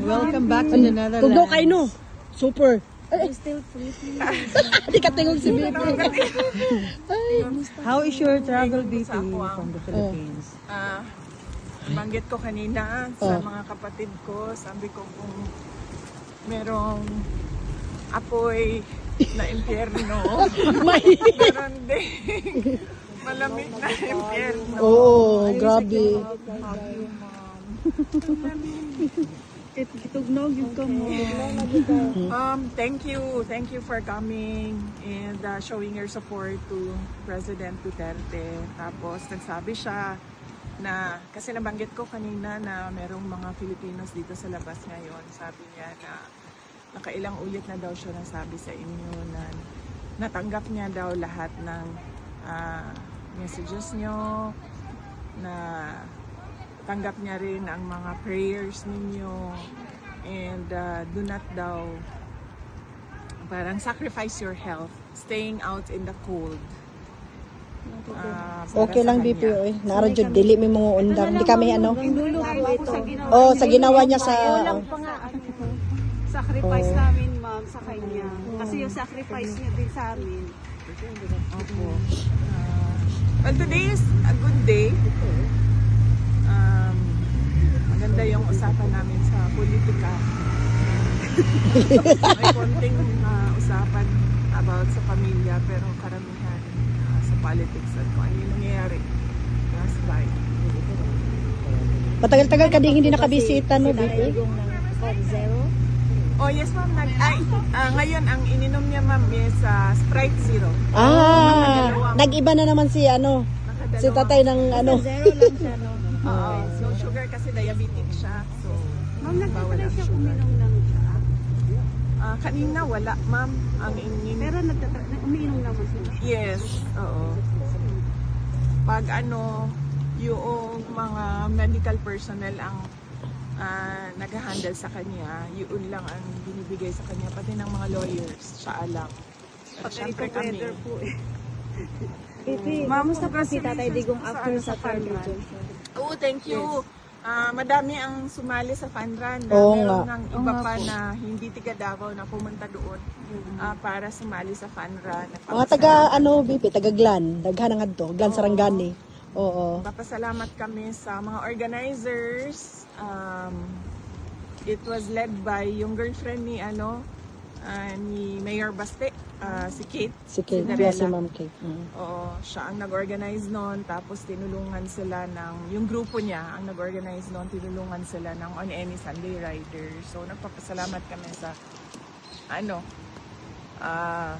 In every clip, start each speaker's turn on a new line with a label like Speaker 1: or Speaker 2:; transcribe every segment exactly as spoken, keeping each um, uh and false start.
Speaker 1: Welcome back to the Netherlands.
Speaker 2: Tugno kay no. Super.
Speaker 3: I'm still sleeping.
Speaker 2: Hindi ka tingog si Bibi.
Speaker 1: How is your travel, B P, from the Philippines?
Speaker 4: Ah, banggit ko kanina sa mga kapatid ko, sabi ko kung merong apoy na impyerno, meron din malamig na impyerno.
Speaker 2: Oo, grabe.
Speaker 3: Kitugnog yung ka mo.
Speaker 4: Um, thank you, thank you for coming and uh, showing your support to President Duterte. Tapos nagsabi siya na, kasi nabanggit ko kanina na merong mga Filipinos dito sa labas ngayon. Sabi niya na nakailang ulit na daw siya nasabi sa inyo na natanggap niya daw lahat ng uh, messages niyo, na tanggap niya rin ang mga prayers ninyo, and uh, do not daw parang sacrifice your health staying out in the cold. Uh,
Speaker 2: Okay lang, B P. Oy. Nara jud dili mi mga undang. Hindi kami ano.
Speaker 3: Ako sa ginawa.
Speaker 2: Oh, sa ginawa niya sa
Speaker 3: Walang pa nga ano, sacrifice namin, ma'am, sa kanya. Kasi yung sacrifice niya din sa amin.
Speaker 4: Opo. Uh, well, today is a good day. Um, maganda yung usapan namin sa politika. May konting uh, usapan about sa pamilya, pero karamihan uh, sa politics at kung ano yung nangyayari last night.
Speaker 2: Matagal-tagal ka din hindi nakabisita no, B P.
Speaker 4: Oh yes ma'am, nag ay ah, ngayon ang ininom niya ma'am is uh, Sprite Zero.
Speaker 2: Ah, nag-iba na naman si ano,
Speaker 4: Nakadalawa.
Speaker 2: si tatay ng ano.
Speaker 3: Zero lang siya, no?
Speaker 4: Oo, no sugar kasi diabetic siya. So
Speaker 3: Ma'am,
Speaker 4: bawal
Speaker 3: nagtatry
Speaker 4: ang
Speaker 3: siya
Speaker 4: sugar.
Speaker 3: uminom ng tsaa.
Speaker 4: Ah, kanina wala ma'am ang ininom.
Speaker 3: Pero nagtatry, umiinom naman siya.
Speaker 4: Yes, oo. Pag ano, yung mga medical personnel ang uh, nag-handle sa kanya, yun lang ang binibigay sa kanya, pati ng mga lawyers, siya alam. At syempre kami.
Speaker 3: Weather po eh.
Speaker 4: Ma'am,
Speaker 3: Kamusta po si Tatay Digong after sa third run?
Speaker 4: Oo, thank you. Ah, madami ang sumali sa fun run. Na
Speaker 2: Oo
Speaker 4: meron
Speaker 2: nga.
Speaker 4: ng iba pa na hindi tiga Davao na pumunta doon ah, para sumali sa fun run.
Speaker 2: Mga taga ano, B P, taga Glan, daghan nga to, Glan Sarangani. Oo.
Speaker 4: Papasalamat kami sa mga organizers. Um, it was led by yung girlfriend ni ano ah, ni Mayor Baste, ah, si Kate.
Speaker 2: Si Kate,
Speaker 4: Cinderella.
Speaker 2: yeah, si Ma'am Kate. Mm.
Speaker 4: Oo, siya ang nag-organize noon, tapos tinulungan sila ng, yung grupo niya ang nag-organize noon, tinulungan sila ng On Any Sunday Rider. So nagpapasalamat kami sa ano, ah,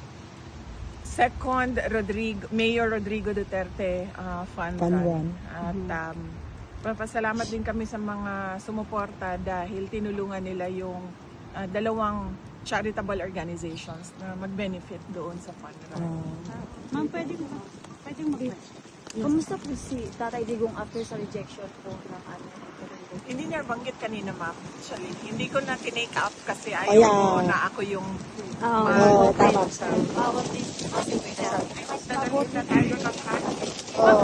Speaker 4: Second Rodrigo, Mayor Rodrigo Duterte uh, Fund
Speaker 2: Fund
Speaker 4: Run.
Speaker 2: Run.
Speaker 4: At um, papasalamat din kami sa mga sumuporta dahil tinulungan nila yung uh, dalawang charitable organizations na mag-benefit doon sa Fund Run.
Speaker 3: Ma'am, pwede mo pwede mo Kamusta po si Tatay Digong after sa rejection po ng ano?
Speaker 4: Hindi niya banggit kanina ma'am. Actually, hindi ko na tinake up kasi ayaw
Speaker 2: Ayan.
Speaker 4: ko na ako yung
Speaker 3: Oo,
Speaker 2: Oo, tama.
Speaker 4: sa
Speaker 3: bawat din.
Speaker 4: Dadalhin na tayo ng